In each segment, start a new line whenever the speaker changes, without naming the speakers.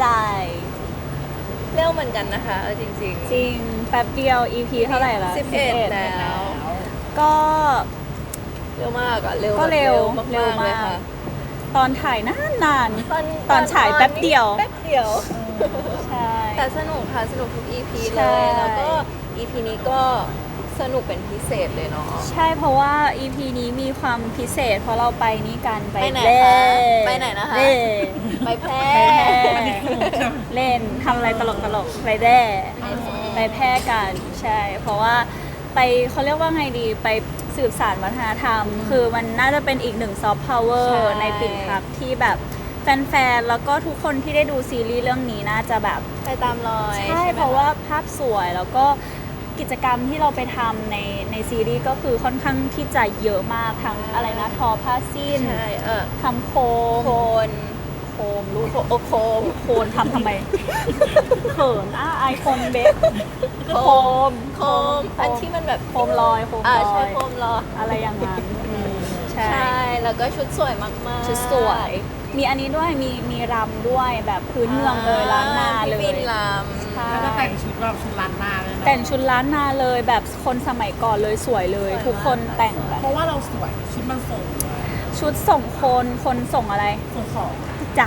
ใจ
เร็วเหมือนกันนะคะเอาจริง
จริงแป๊บเดียว EP เท่าไหร่ละ
11แล้ว
ก็
เร็วมากอะเร็ว
ก็เร็ว
แบบ
เร็ว
เลย
มาก
ค่ะ
ตอนถ่ายนานตอนฉายแป๊บเดียว
แป๊บเดียว
ใช่
แต่สนุกค่ะสนุกทุก EP
ใช่
เลยแล้วก็ EP นี้ก็สนุกเป็นพิเศษเลยเนาะ
ใช่เพราะว่า EP นี้มีความพิเศษเพราะเราไปนี่กันไป
ไปไหน
เล่
คะไปไหนนะคะ
เล่
ไปแพร่
เล่นทำอะไรตลกไปแร่ไปแพร่กันใช่ เพราะว่าไปเขาเรียกว่าไงดีไปสืบสานวัฒนธรรม คือมันน่าจะเป็นอีกหนึ่งซอฟต์พาวเวอร์ในปิ่นพักที่แบบแฟนๆแล้วก็ทุกคนที่ได้ดูซีรีส์เรื่องนี้น่าจะแบบ
ไปตามรอย
ใช่
ไหม
เพราะว่าภาพสวยแล้วก็กิจกรรมที่เราไปทำในซีรีส์ก็คือค่อนข้างที่จะเยอะมากทั้งอะไรนะทอผ้าสิ้น
ใช่
ทำโค
โคน
โคมลูก
โคม
โคนทำไมเขินไอโฟนเบสโคม
โคมอันที่มันแบบ
โคมลอยโคมล
ใช่
อย
โคมลอย
อะไรอย่างนั้นใช่
ใช่แล้วก็ชุดสวยมากๆ
ชุดสวย มีอันนี้ด้วยมีรำด้วยแบบพื้นเมืองเลยล้านนาเลย
พี่ฟินล
ใช่
แล้วก็แต่งชุดแบบชุดล้านนาเลยเนาะ
แต่งชุดล้านนาเลยแบบคนสมัยก่อนเลยสวยเลย ทุกคนแต่งแบบ
เพราะว่าเราสวยชุดมันส่งเลย
ชุดส่งคนส่งอะไร
ส่งของ
จ้ะ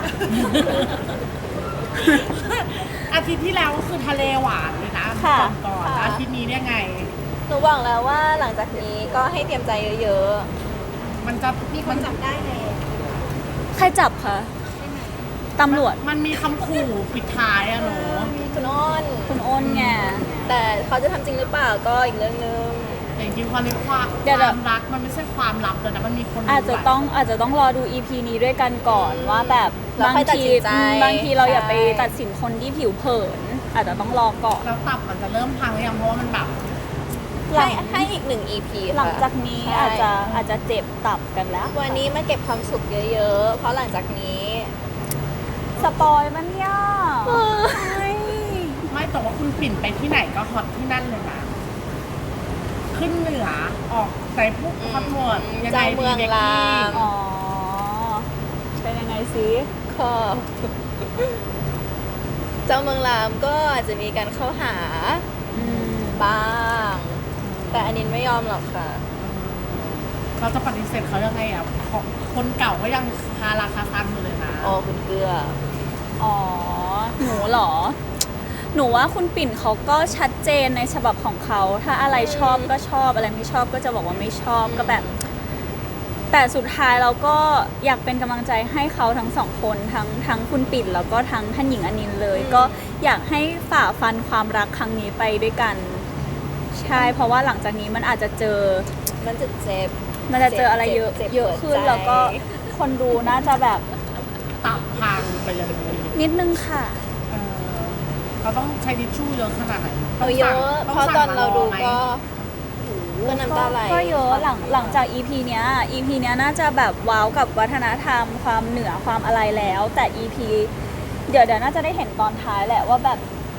อาทิตย์ที่แล้วก็คือทะเลหวานเลยนะ
ค่ะ
ก่อนอาทิตย์นี้เนี่ยไง
ำหนูบอกแล้วว่าหลังจากนี้ก็ให้เตรียมใจเยอะ
มันจะมีคนจับได้เลย
ใครจับคะตำรวจ
มันมีคำขู่ปิดท้ายอะหนู
ๆคุณอ้น
คุณอ้นไง
แต่เขาจะทำจริงหรือเปล่าก็อีกเรื่องนึง
แต่จริงๆความในความ
เดี๋ยว
ความรักมันไม่ใช่ความลับเลยนะมันมีคน
อาจจะต้องรอดู EP นี้ด้วยกันก่อนว่าแบบ
แล้ว
บาง
ค่อยตัด
ที
สินใจ
บางทีเราอย่าไป
ใช่
ตัดสินคนที่ผิวเผิน อาจจะต้องรอก่อน
แล้วตับมันจะเริ่มพังหรือยังเพราะว่ามันแบบ
หลัง
ให้อีกหนึ่ง EP ค่ะ
หลังจากนี้
ใช่
อาจจะเจ็บตับกันแล้ว
วันนี้มาเก็บความสุขเยอะๆ เพราะหลังจากนี้
สปอยมันเนี่ย
ไม่แต่ว่าคุณปิ่นไปที่ไหนก็ฮอตที่นั่นเลยนะขึ้นเหนือออกใจพวกฮอตหมดยัง
ใจ
ไง
เมื
ดี
อง
เบก
ราม
กี้
อ๋อ เป็นยังไงสิ
ก็เจ้าเมืองรามก็อาจจะมีการเข้าหา
อืม
บ้าง แต่อันนี้ไม่ยอมหรอกค่ะ
เราจะปฏิเสธเขายังไงอ่ะของคนเก่าก็ยังคาราคาซังอยู่เลยนะ
อ๋อคุณเกลือ
อ๋อ หนูเหรอ หนูว่าคุณปิ่นเขาก็ชัดเจนในฉบับของเขา ถ้าอะไรชอบก็ชอบ อะไรไม่ชอบก็จะบอกว่าไม่ชอบก็แบบ แต่สุดท้ายเราก็อยากเป็นกำลังใจให้เขาทั้งสองคนทั้งคุณปิ่นแล้วก็ทั้งท่านหญิงอนินท์เลย ก็อยากให้ฝ่าฟันความรักครั้งนี้ไปด้วยกัน ใช่ เพราะว่าหลังจากนี้มันอาจจะเจอ
มันจะเจ็บ
มันจะเจออะไรเยอะ
เจ็บ
เยอะขึ้น
หัวใจ
แล้วก็คนดูน่าจะแบบ
ตับพังไปเลย
นิดนึงค่ะ
เออเขาต้องใช้ทิชชู่เยอะขนาดไหน
เอาเยอะ
ต้
เพ
ง
ราะ
สั่ง
ตอนเราดู
มไหม
ก็น้ำตาไหล
ก็เยอะหลังจาก EP เนี้ย EP เนี้ยน่าจะแบบว้าวกับวัฒนธรรมความเหนือความอะไรแล้ว แต่ EP เดี๋ยวน่าจะได้เห็นตอนท้ายแหละว่าแบบ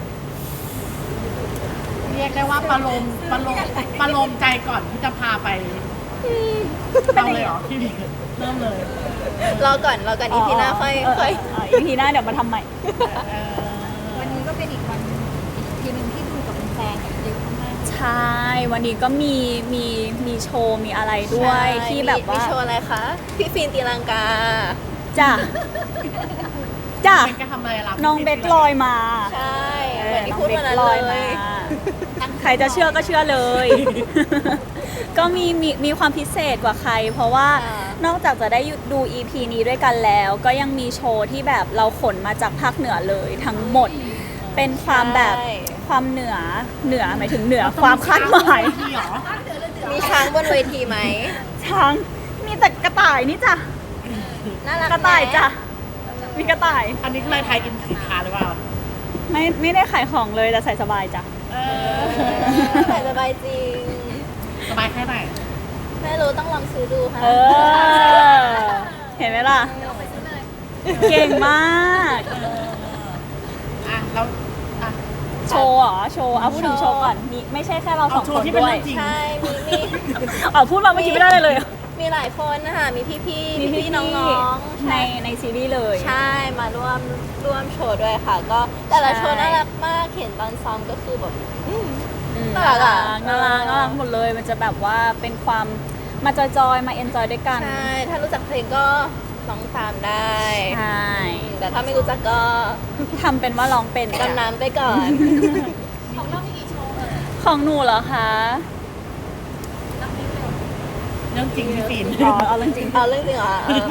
เรียกได้ว่าประโลมใจก่อนที่จะพาไปเอาเลยเหรอพี่บิ๊กเริ่มเลย
รอก่อนอีพีหน้าค่อย
EP หน้าเดี๋ยวมาทำใหม่
เออ
วันนี้ก็เป็นอีกวันอีกทีหนึ่งที่ดูกับแฟนๆเยอะมาก
ใช่ วันนี้ก็มีโชว์มีอะไรด้วย
ใช่
ที่แบบ
มี
ว่า
โชว์อะไรคะ พี่ฟินตีลังกา
จ้ะจ้ะ
เป็นการทำอะไรล่ะ
น้องเบคลอยมา
ใช่เหมือนที่พูดวันนั้น
น้อง
เล
บค
ย
ใครจะเชื่อก็เชื่อเลย ก็มีความพิเศษกว่าใคร เพราะว่า
อ่าน
นอกจากจะได้ดู EP นี้ด้วยกันแล้ว ก็ยังมีโชว์ที่แบบเราขนมาจากภาคเหนือเลยทั้งหมด เป็นความแบบ
ใช่
ความเหนือหมายถึงเหนือความคาดหมาย
พี่เหรอ
มีช้างบนเวทีไหม
ช้างมีแต่กระต่ายนี่จ้ะ
น่ารัก
กระต่ายจ้ะมีกระต่าย
อันนี้คืออะไรไทยอินสินค้าหรือเปล่า
ไม่ได้ขายของเลยแต่ใส่สบายจ้ะ
เอ
ใส่สบายจริง
สบายแค่ไหน
ไม่รู้ต้องลองซื้อดูค่ะ
เออ เห็นไหมล่ะ เก่งมาก
อ่ะแล้วอ่ะ
โชว์เหรอ โชว์เอาพูดถึงโชว์ก่อนนี่ไม่ใช่แค่เราส
เอา
อง
โช
ค
ว์
น
ที่เป็น
ด้วย
เรื่องจริง
ใช่มี
เอาพูดมาเมื่อกี้ไม่ได้เลย
มีหลายคนนะคะมีพี่ๆ
มี
พี่ๆน้องๆ
ในซีรีส์เลย
ใช่มาร่วมโชว์ด้วยค่ะ ก็แต่ละโชว์น่ารักมากเห็นตอนซ้อมก็คือแบบน่ารักอะ
น่ารักหมดเลย มันจะแบบว่าเป็นความมาจอยๆมาเอนจอยด้วยกัน
ใช่ ถ้ารู้จักเพลงก็ร้องตามได้
ใช่
แต่ถ้าไม่รู้จักก็
ทำเป็นว่าร้องเป็น
ดำน้ำไปก่อน
ของเรามีกี่โชว์เอ่ย
ของหนูเหรอคะ
นับนิ้วเร็ว
เรื่องจริงพี่ปิ่น
อ๋อเอาเรื่องจริง
เอาเรื่องจริงเหรอ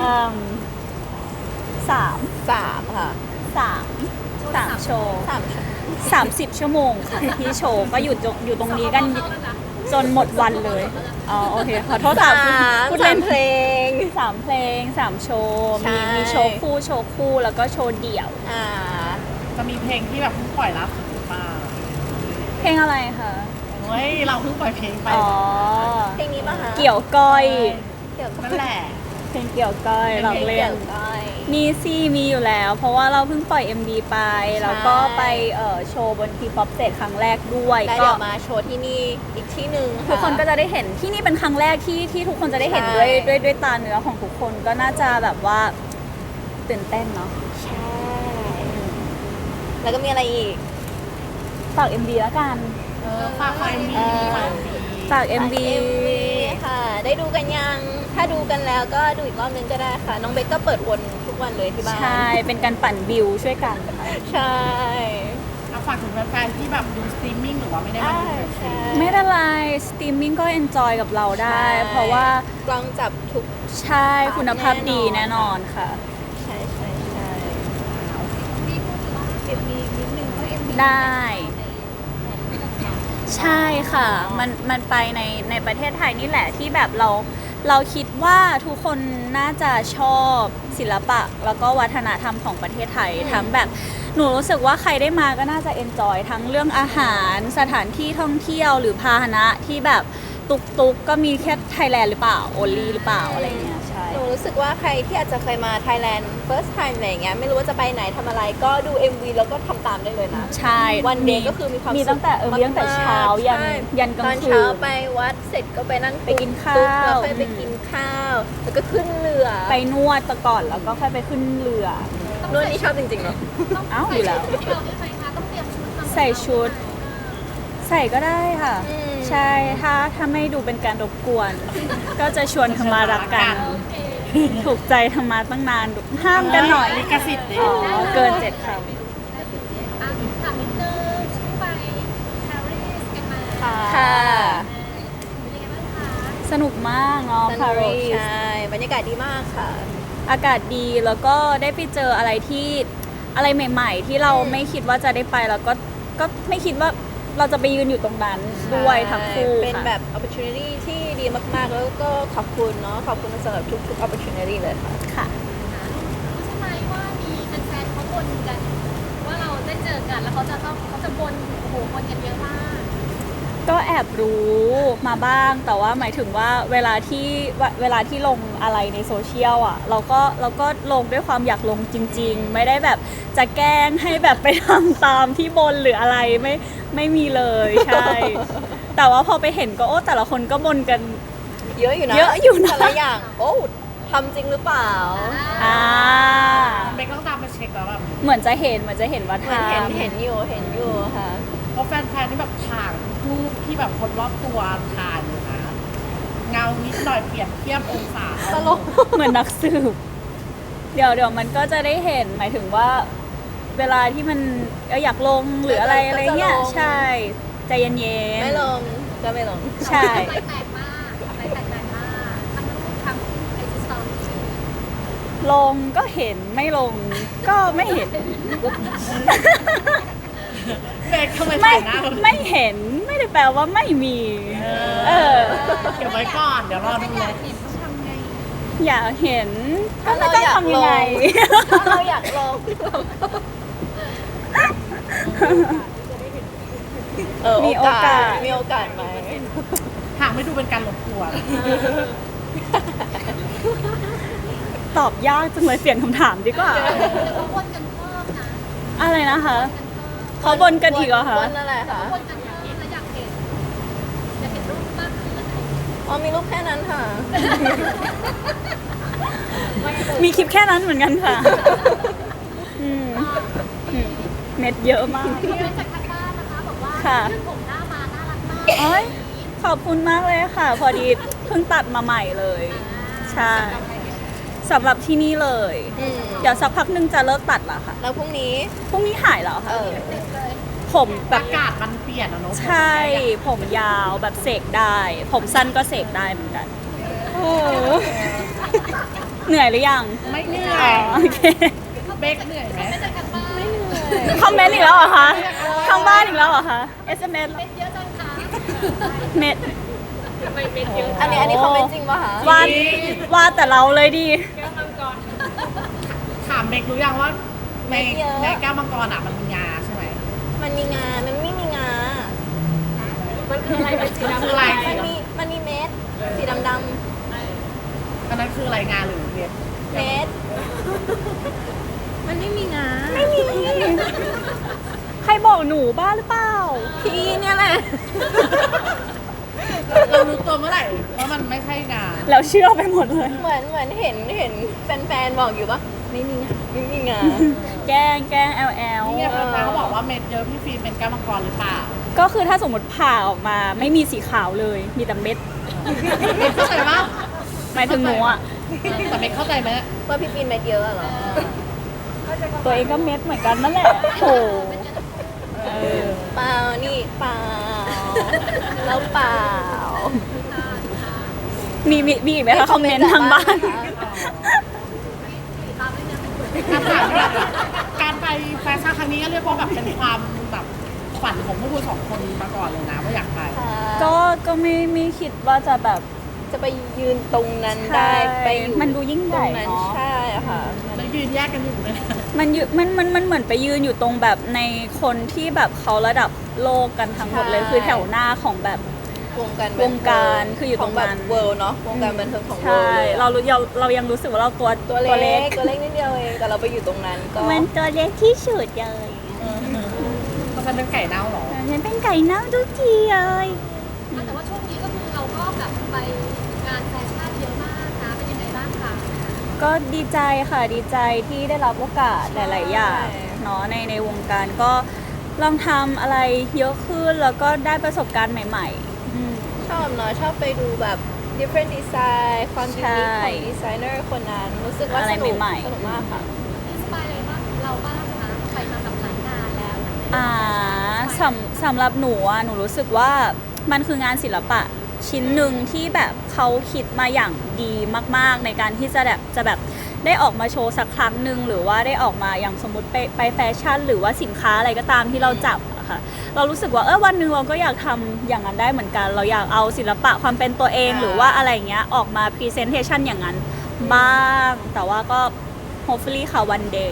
สาม
สามค่ะ
สามโชว์
สามชั่วโมง
30 ชั่วโมงค่ะที่โชว์ก็อยู่ตรงนี้กันจนหมดวันเลยอ๋อโอเคขอโทษค่ะพูดเล่น
เพลง
3 เพลง 3 โชว์
ใช่
มีโชว์คู่แล้วก็โชว์เดี่ยว
จะมีเพลงที่แบบเพิ่งปล่อยล่าสุดหรือเปล่า
เพลงอะไรคะ
เฮ้ยเราเพิ่งปล่อยเพลงไป
อ๋อ
เพลงนี้ป่ะคะ
เกี่ยวก้อย
เกี่ยวกับ
นั่นแหละ
เพลงเกี่ยวก้อยเราเล่
เกี่
น
ยวก้อย
มีซี่มีอยู่แล้ว เพราะว่าเราเพิ่งปล่อย MV ไป แล้วก็ไปโชว์บนทีป๊อปเ a ครั้งแรกด้วย
แล้ว
ก็
เดี๋ยวมาโชว์ที่นี่อีกที่หนึ่ง
ทุกคนก็จะได้เห็นที่นี่เป็นครั้งแรกที่ทุกคนจะได้เห็นด้วยตาเนื้อของทุกคนก็น่าจะแบบว่าตื่นเต้นเนาะ
ใช่ แล้วก็มีอะไรอีก
ฝาก MV แล้วกัน
ฝากไฟมีฝาก MV
ฝาก MV
ค่ะ ได้ดูกันยัง ถ้าดูกันแล้วก็ดูอีกรอบนึงก็ได้ค่ะ น้องเบคก็เปิดวนทุกวันเลยที่บ้าน
ใช่ เป็นการปั่นวิวช่วยกันค่ะ
ใช่
เอาฝากถึงแฟนๆที่แบบดูสตรีมมิ่งหรือว่าไม่ได้มาดูในสตรีม
ไม่เป็นไรสตรีมมิ่งก็เอนจอยกับเราได้ เพราะว่าก
ล้องจับทุก
ใช่คุณภาพดีแน่นอนค่ะ
ใช่ใช่ใช่
มีพูดถึงว่าเอ็มวีนิดนึงเพราะเอ็มวี
ได้ ใช่ค่ะ มันไปในประเทศไทยนี่แหละที่แบบเราคิดว่าทุกคนน่าจะชอบศิลปะ แล้วก็วัฒนธรรมของประเทศไทย ทั้งแบบหนูรู้สึกว่าใครได้มาก็น่าจะเอนจอยทั้งเรื่องอาหารสถานที่ท่องเที่ยวหรือพาหนะที่แบบตุกก็มีแค่ไทยแลนด์หรือเปล่าโอลีหรือเปล่าอะไรเงี้ยใช่
หนูรู้สึกว่าใครที่อาจจะเคยมาไทยแลนด์ first time อะไรอย่างเงี้ย ไม่รู้ว่าจะไปไหนทำอะไร ก็ดู MV แล้วก็ทำตามได้เลยนะ
ใช่
วันเดย์ก็คือมีความ
มีตั้งแต่มีตั้งแต่เช้ายัน
ใช่
ยันกลาง
ตอน
คื
เช้าน ไปวัดเสร็จก็ไปนั่ง
ไปกินข้าว
ตุ๊กแล้วค่อยไปกินข้าว แล้วก็ขึ้นเรือ
ไปนวดตะก่อนแล้วก็ค่อยไปขึ้นเรือ
นวดนี่ชอบจริงๆเนาะ
เอ้าอยู่แล้ว
ที่เราไม่เคยมาต้องเตรียมชุดมา
ใส่ชุด ใส่ก็ได้ค่ะ
อืม
ใช่ถ้าไม่ดูเป็นการรบกวน ก็จะชวนธรรมารักกัน ถูกใจธรรมาตั้งนานห้ามกันหน่อย
ลิขสิทธิ์ดิ
อ๋อ เกิน7ค
อ่ะถามนิดนึงช่วงไปปารีสกันมา
ค่ะ
ำค่ะ
เป็นยังไงบ้างคะ
สนุกมากเนาะ
ส
ปา
นุก
รีส
ใช่ บรรยากาศดีมากค่ะ
อากาศดีแล้วก็ได้ไปเจออะไรที่อะไรใหม่ ๆ ที่เราไม่คิดว่าจะได้ไปแล้วก็ไม่คิดว่าเราจะไปยืนอยู่ตรงนั้นด้วยทั้งคู่
เป็น
ค่ะ
แบบ opportunity ที่ดีมากๆ แล้วก็ขอบคุณเนาะ ขอบคุณสำหรับทุก opportunity เลยค่ะ
ค่ะ
รู้ใช่ไหมว่ามีแฟนๆเขาบ่นกัน ว่าเราได้เจอกันแล้วเขาจะบ่นโอ้โหบ่นกันเยอะมาก
ก็แอบรู้มาบ้าง แต่ว่าหมายถึงว่าเวลาที่ลงอะไรในโซเชียลอ่ะ เราก็ลงด้วยความอยากลงจริง ๆ ไม่ได้แบบจะแกล้งให้แบบไปทำตามที่บนหรืออะไรไม่มีเลยใช่ แต่ว่าพอไปเห็นก็โอ้แต่ละคนก็บนกัน
เยอะอยู่นะ
เยอะอยู่นะ
แต่ละอย่าง โอ้ทำจริงหรือเปล่า
อ่า
เบคต้องตามไปเช็คแล้วแบบ
เหมือนจะเห็นว่า
เหมือนเห็น
ทำ
เห็นอยู่ค่ะ
เพราะแฟนๆที่แบบถ่ายรูปที่แบบคนรอบตัวถ่ายอยู่นะเงานิดหน่อยเปรียบเทียบองศา
ตลก
เหมือนนักสืบเดี๋ยวมันก็จะได้เห็นหมายถึงว่า เวลาที่มันอยากลงหรืออะไร
ก็จะ
อะไรเงี้ย
ลง
ใช่ใจเย็นๆ
ไม่ลงก็ไม่ลง
ใช่
ไฟแตกมากไฟแตกมากทั้งรูปทั้งไอจีสตอรี่
ลงก็เห็นไม่ลงก็ไม่เห็น
เบคทำไม
ไม่
ถ่ายหน้า
ไม่เห็นไม่ได้แปลว่าไม่มี เออ
เก็บไว้ก่อนเดี๋ยวรอดูเลย
เห็นต้องทำไง
อยากเห็นก็
ถ้า
ไม่
เรา
ต้อง
อยาก
ทำยังไง
ลง ถ้าเราอยากลง
มีโอกาส
มีโอกาสไหม
หากไม่ดูเป็นการรบกวน
ตอบยากจังเลยเปลี่ยนคำถามดีกว่า
เดี๋ยวเขาวนกันเพิ่มนะ
อะไรนะคะ
กันเพิ่ม
เขาบนกันอีกเหรอคะ
บนอะไรคะ
วนกันเพิ่มแล้วอยากเห็นรูปมากขึ้นอะไรอย่างเงี้ย
อ๋อมีรูปแค่นั้นค่ะ
มีคลิปแค่นั้นเหมือนกันค่ะอืมเน็ตเยอะมาก
มีมาจากทางบ้านนะคะบอกว่า
ค่ะ
ยืดผมหน้ามาน่ารักมาก
โอ้ยขอบคุณมากเลยค่ะ พอดีเพิ่งตัดมาใหม่เลย ใช่สำหรับที่นี่เลย เดี๋ยวสักพักนึงจะเลิกตัดละค่ะ
แล้วพรุ่งนี้
พรุ่งนี้หายแล้ว
เอ
ค่ะ
อ
ผมแบ
อา
บ
กาศมันเปลี่ยนอะเนาะ
ใช่ ผมยาวแบบเสกได้ ผมสั้นก็เสกได้เหมือนกันเหนื่อยหรือยัง
ไม่เหนื่อ
อ๋อย โอเค
เบคเหนื่อยไหม
มาจากทางบ้าน
คอมเมนต์อีกแล้วเหรอคะทางบ้านอีกแล้วเหรอคะ SMS
เป็นเยอะจังคะ
เน็ต
ทำไมเป็นเยอะ
อันนี้คอมเมนต์จริงป่ะคะ
วาดแต่เราเลยดี
แก้วมังกร
ถามเบครู้ยังว่าในแก้วมังกรอะมันมีงาใช่ไหม
มันมีงา มันไม่มีงา
มันคืออะไรเป็นสี
มัน
ดำ
คืออะไร
มันมีเม็ด สีดำ
อันนั้นคืออะไรงาหรือเม็ด
ๆเม็ด มันไม่มีงา
ไม่มี ใครบอกหนูบ้าหรือเปล่า
พี่เนี่ยแหละ
เรารู้ตัวเมื่อไหร่ว่ามันไม่ใช่งา
แล้วเชื่อไปหมดเลย
เหมือนเห็นแฟนๆบอกอยู่ปะไม่มีงา ไม่มีงา
แกล้ง LL
นี่ไงแฟนๆเขาบอกว่าเม็ดเยอะพี่ฟิล์มเป็นแก้วมังกรหรือเปล่า
ก็คือถ้าสมมติผ่าออกมาไม่มีสีขาวเลย มีแต่เม็ด
เข้าใจปะ
หมายถึงหนูอ่ะ
แต่ไม่เข้าใจไหม
ว่าพี่ปีนเม็ดเยอะอะเหรอ
ตัวเองก็เม็ดเหมือนกันนั่นแหละโอ้
เออ
เปล่า นี่เปล่า แล้วเปล่า
มีอีกไหมคะคอมเมนต์ทางบ้าน
ตามด้วยนะเป็น
การถามว่าการไปแฟชั่นครั้งนี้ก็เรียกว่าแบบเป็นความแบบฝันของพวกคุณสองคนมาก่อนเลยนะว่าอยากไป
ก็ไม่คิดว่าจะแบบ
จะไปยืนตรงนั้นได้
ใช่
ไปอยู่
มันดูยิ่งใหญ่
ตรงนั้น
เนอะ
ใช่ค่ะ
แล้วยืนแยกกันอยู่เลยนะ
มันเหมือนไปยืนอยู่ตรงแบบในคนที่แบบเขาระดับโลกกันทั้งหมดเลย
ใช่
คือแถวหน้าของแบบ
วงการ
วงการคืออยู่ตรงนั้น
เวิลด์เนาะวงการบันเทิงของเวิ
ใช่
ลด์
เรายังรู้สึกว่าเราตัว
ตัวเล็กนิดเดียวเองแต่เราไปอยู่ตรงนั้นก็
มันตัวเล็กที่สุดเลย
เพราะฉันเป็นไก่เน่าเหรอ
ฉันเป็นไก่เน่าทุกทีเลย
แต่ว่าช่วงนี้ก็คือเราก็แบบไปงานแฟชั่นเยอะมากนะเป็นยังไงบ้างคะ
ก็ดีใจค่ะดีใจที่ได้รับโอกาสหลาย ๆ อย่างเนาะในวงการก็ลองทำอะไรเยอะขึ้นแล้วก็ได้ประสบการณ์ใหม่ๆอืม
ชอบเนาะชอบไปดูแบบ different design ความยูนิค
ใช่
ของดีไซเนอร์คนนั้นรู้สึกว่า
อะไร
สนุก
ใหม่ๆ
สนุกมากค่ะ
อินสปายอะไรบ้างเราบ้างคะไปมากับหลายงานแล้ว
สำหรับหนูอะหนูรู้สึกว่ามันคืองานศิลปะชิ้นหนึ่งที่แบบเขาคิดมาอย่างดีมาก ๆ ในการที่จะแบบได้ออกมาโชว์สักครั้งหนึ่งหรือว่าได้ออกมาอย่างสมมติไปแฟชั่น หรือว่าสินค้าอะไรก็ตามที่เราจับอะค่ะเรารู้สึกว่าวันหนึ่งเราก็อยากทำอย่างนั้นได้เหมือนกัน เราอยากเอาศิลปะความเป็นตัวเองหรือว่าอะไรเงี้ยออกมาพรีเซนเทชันอย่างนั้นบ้างแต่ว่าก็ hopefully ค่ะ one day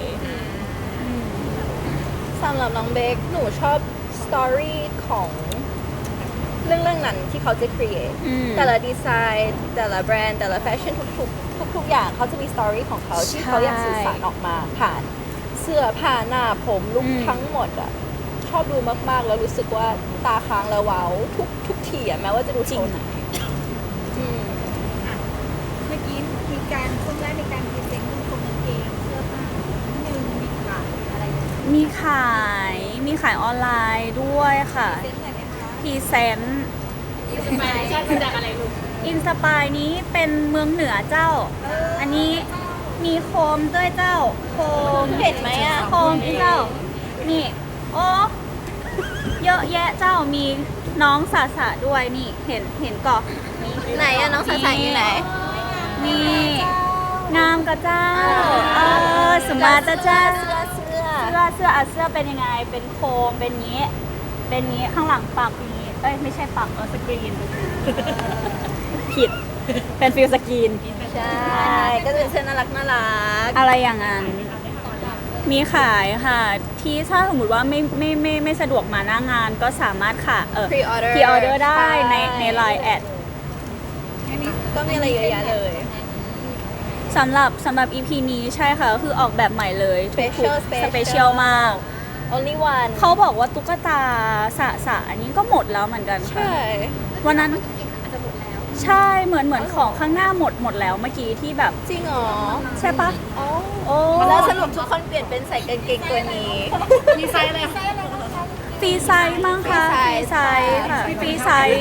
สำหรับน้องเบคหนูชอบสตอรี่ของเรื่องนั้นที่เขาจะ create
อืม
แต่ละดีไซน์แต่ละแบรนด์แต่ละแฟชั่นทุกอย่างเขาจะมีสตอรี่ของเขาที่เขาอยากสื่อสารออกมาผ่านเสื้อผ้าหน้าผมลุคทั้งหมดอ่ะชอบดูมากๆ แล้วรู้สึกว่าตาค้างแล้วว้าวทุกทีอ่ะแม้ว่าจะดูโชว์ไหนอืม
เมื่อกี้มีการช่วงแรกมีการพรีเซนต์กางเกงเสื้อผ้าหนึ่งมีขายอะไรอย่างเงี้ย
มีขายออนไลน์ด้วยค่ะ
เซ็นหน่อยไหมคะ
พรีเซนต์
อินสปายชั่นมาจากอะไรลูก
อินสปายนี้เป็นเมืองเหนือเจ้า อันนี้มีโคมด้วยเจ้า โคม
เห็นไหมอ่ะ
โคมที่เจ้า นี่ โอ้เยอะแยะเจ้ามีน้องสาสะด้วยนี่เห็นก่อนนี่
ไหนอะน้องสายๆอยู่ไหน
นี่งามกะเจ้าสมมาตรเจ้า
เสื้อ
เสื้อเป็นยังไง เป็นโคม เป็นงี้ ข้างหลังปักนี้ ไม่ใช่ปักสกรีน ผิด เป็นฟิลสกรีน
ใช่ก็จะเป็นเสื้อน่ารัก
อะไรอย่างนั้น มีขายค่ะ ที่ถ้าสมมติว่าไม่สะดวกมาหน้างานก็สามารถค่ะ
พรีออเดอร์
พรีออเดอร์ได้ใน Line แอด
ก็มีอะไรเยอะแยะเลย
สำหรับ EP นี้ใช่ค่ะ ก็คือออกแบบใหม่เลย
Special
สเปเชียลมาก
only one
เขาบอกว่าตุ๊กตาสะอันนี้ก็หมดแล้วเหมือนกันค่ะ
ใช่
วันนั้น
จริงๆอาจจะหมดแล้ว
ใช่เหมือนของข้างหน้าหมดแล้วเมื่อกี้ที่แบบ
จริงเหรอ
ใช่ปะ
อ๋อ
โอ้
แล้วสรุปทุกคนเปลี่ยนเป็นใส่กางเกงตัวนี้
มีไซส์อะไรคะ
ฟรีไซส์มั้งคะฟรีไซส์ค่ะฟรีไซส์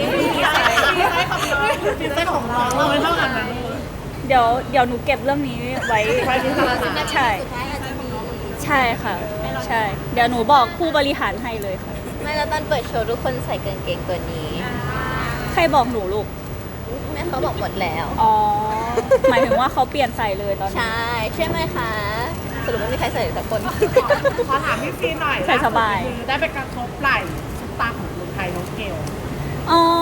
มีไซส์ของน้องเราไม่เท่ากันนะ
เดี๋ยวหนูเก็บเรื่องนี้ไว้
ไว้ที่ธนาคาร
ใช่
สุดท้ายอาจจะมี
ใช่ค่ะ ใช่ เดี๋ยวหนูบอกผู้บริหารให้เลยค่ะ
ไม่แล้วตอนเปิดโชว์ทุกคนใส่กางเกงตัวนี้
ใครบอกหนูลูก
แม่เขาบอกหมดแล้ว
อ๋อ หมายถึงว่าเขาเปลี่ยนใส่เลยตอนนี้
ใช่ใช่ไหมคะสรุปไม่มีใครใส่สักคน
ขอถามพี่ฟีนหน่อย
ใส่สบาย
คือได้ไปกระทบไหล่ซุปตาของเมืองไทยน้องเกล
อ๋อ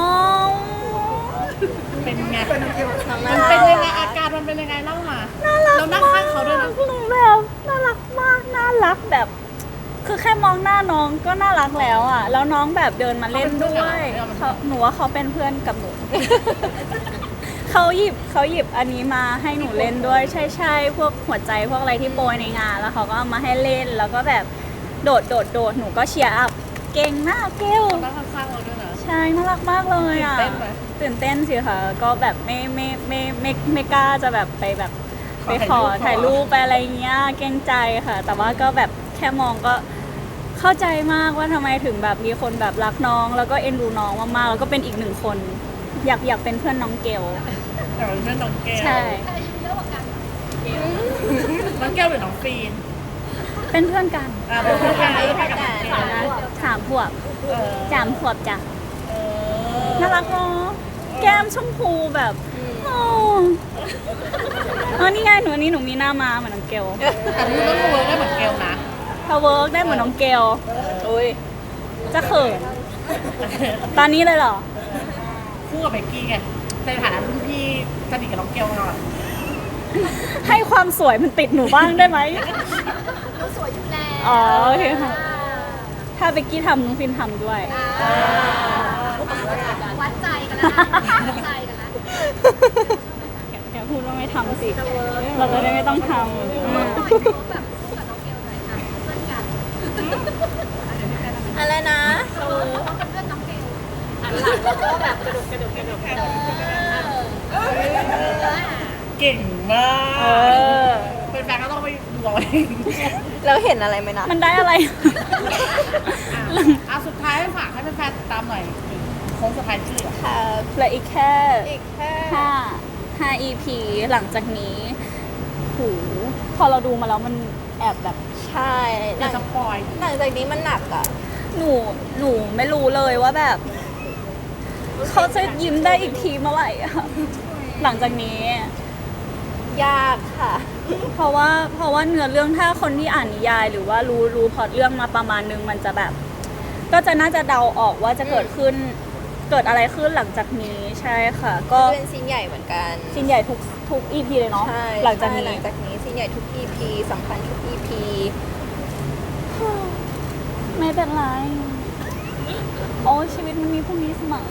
เป็นไง
น้อง
มั
น่าน รั
เป็น
ก
ยังไงอาการมันเป็นยังไงเล่ามา
น่ารัก
เรานั่งข้างเขาด้วยนะ
หนูแบบน่ารักมาก น่ารักแบบ คือแค่มองหน้าน้องก็น่ารักแล้วอ่ะ แล้วน้องแบบเดินมาเล่นด้วยหนูว่าเขาเป็นเพื่อนกับหนู เขาหยิบอันนี้มาให้หนูเล่นด้วยใช่พวกหัวใจพวกอะไรที่โปรยในงานแล้วเขาก็เอามาให้เล่นแล้วก็แบบโดดหนูก็เชียร์อัพเก่งมากเกล
นั่งข้างๆเราด้วยนะ
ใช่น่ารักมากเลยอ่ะ
ตื่นเต้นไหม
ตื่นเต้นสิค่ะก็แบบไม่กล้าจะแบบไปแบบไปขอถ่ายรูปไปอะไรเงี้ยเกรงใจค่ะ แต่ว่าก็แบบแค่มองก็เข้าใจมากว่าทำไมถึงแบบมีคนแบบรักน้องแล้วก็เอ็นดูน้องมากๆแล้วก็เป็นอีกหนึ่งคน อยากเป็นเพื่อนน้องเกล
แต่ว่าเป็นน้องเกล
ใช่
ใครอายุเยอะกว่ากัน
น้องเกลหรือน้องฟีน
เป็นเพื่อนกัน
เป็นเพื่อนกันแล้วไปกับน้องเกล
3 ขวบ
เออ
3 ขวบจ้ะ
เออ
น่ารักเนาะแก้มชมพูแบบโอ้นี่ไงหนูอันนี้หนูมีหน้ามาเหมือนน้องเกล
แต่พี่ต้องเวิร์กได้เหมือนเกลนะ
ถ้าเวิร์กได้เหมือนน้องเกล
อุ้ย
จะเขินตอนนี้เลยเหรอ
คู่กับเบกกี้ไงในฐานะรุ่นพี่สนิทกับน้องเกลหน่อย
ให้ความสวยมันติดหนูบ้างได้ไหม
เราสวยอยู่แล้ว
อ๋อโอเคค่ะ ถ้าเบกกี้ทำน้องฟินทำด้วย
วัดใจกันแล้วนะวัดใจกันแล้ว
อย่าพูดว่าไม่ทำสิ เราจะได้ไม่ต้องท
แบบคู่กับน้องเกลหน่อยค่ะเพื่อนกัน
อะไรนะ
เขาเป็นเพื่อนน้องเกลอันหลังแล้วก็แบบกระดุก
เก่งมา
ำเอก อ
เป็นแฟนก็ต้องไปรอเอง
เราเห็นอะไรไหมนะ
มันได้อะไร
สุดท้ายฝากให้แฟนๆติดตามหน่อยโค้งสุดท้ายชื่อ
ค่ะ
เหลืออีกแค่
อีกแค่
5 EP หลังจากนี้หูพอเราดูมาแล้วมันแอบแบบ
ใช่ห
อย่า
ลัง
สปอย
หลังจากนี้มันหนักอ่ะ
หนูไม่รู้เลยว่าแบบ เขาจะยิ้มได้อีกทีเมื่อไหร่อะหลังจากนี้
ยากค่ะ
เพราะว่าเนื้อเรื่องถ้าคนที่อ่านนิยาย หรือว่ารู้พล็อตเรื่องมาประมาณนึงมันจะแบบ ก็จะน่าจะเดาออกว่าจะเกิดอะไรขึ้นหลังจากนี้ใช่ค่ะ ก็
เป็นซีนใหญ่เหมือนกัน
ชิ้นใหญ่ทุก EP เลยเนาะ
ใช่
หลังจาก
ใช่
นี้
หลังจากนี้ซีนใหญ่ทุก EP สำคัญทุก EP
ไม่เป็นไร โอ้ชีวิตมันมีพรุ่งนี้เสมอ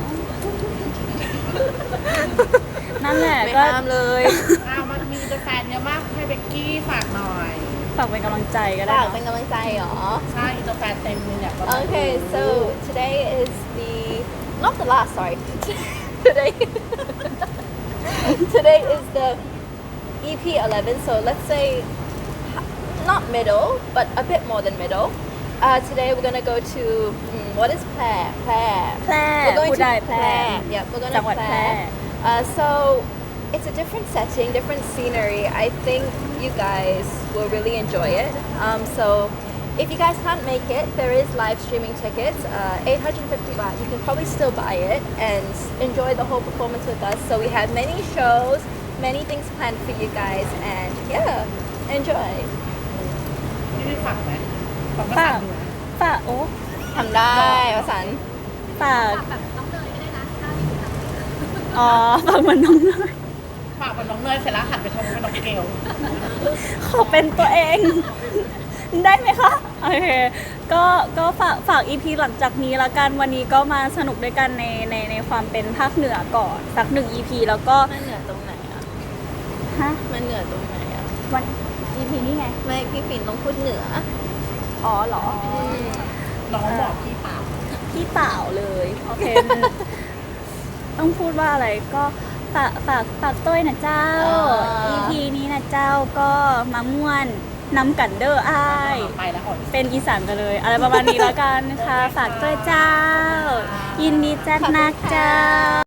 นั่นแหละ
ไม่
ก็
ห้ามเลย
มันมีแฟนเยอะมากให้เบกกี้ฝากหน่อย
ฝากเป็นกำลังใจก็ได้
ฝาก
เน
เป็น
อะ
กำลังใจเหรอ
ใช่อินเตอร์แฟนเต็มเลยเนี่ย
Okay, so today is not the last, sorry. today today is the EP 11, so let's say not middle, but a bit more than middle. Today we're gonna go to what is Plair?
แพร่
We're going
พูด
to
ได้แพร่
Yeah, we're going
จั
to
งหวัดแพร่
So it's a different setting, different scenery. I think you guys will really enjoy it. So if you guys can't make it, there is live streaming tickets, 850 baht. You can probably still buy it and enjoy the whole performance with us. So we have many shows, many things planned for you guys, and yeah, enjoy.
พี่ได้ฝากไหมฝาก
ฝากฝากโอ้
ทำได้วสันต์
ฝาก
แบบน้องเนยก็ได้นะถ้ามีทำ
อ๋อฝากเหมือนน้องเลย
ฝากเป็นน้องเนยเสร็จแล้วหันไปชมเป็นน้องเกล
ขอเป็นตัวเอง ได้ไหมคะ โอเค ก็ฝาก EP หลังจากนี้ละกัน วันนี้ก็มาสนุกด้วยกันในความเป็นภาคเหนือก่อนสัก1 EP แล้วก็
มันเหนือตรงไหนอ่ะ
ฮะ
มันเหนือตรงไหนอ่ะ
วัน EP นี่ไง
ไม่พี่ปิ่นต้องพูดเหนือ
อ๋อเหรอ
น้องบอกพี่เปล่า
พี่เปล่าเลย โอเคมัน ต้องพูดว่าอะไรก็ฝากต้วยนะเจ้า EP นี้นะเจ้าก็มาม่วนนำกันเด้ออ้าย
ไปแล้วอ่อน
เป็นอีสานกันเลย อะไรประมาณนี้แล้วกันค่ะ ฝากต้วยเจ้า ยินดีจัดนักเจ้า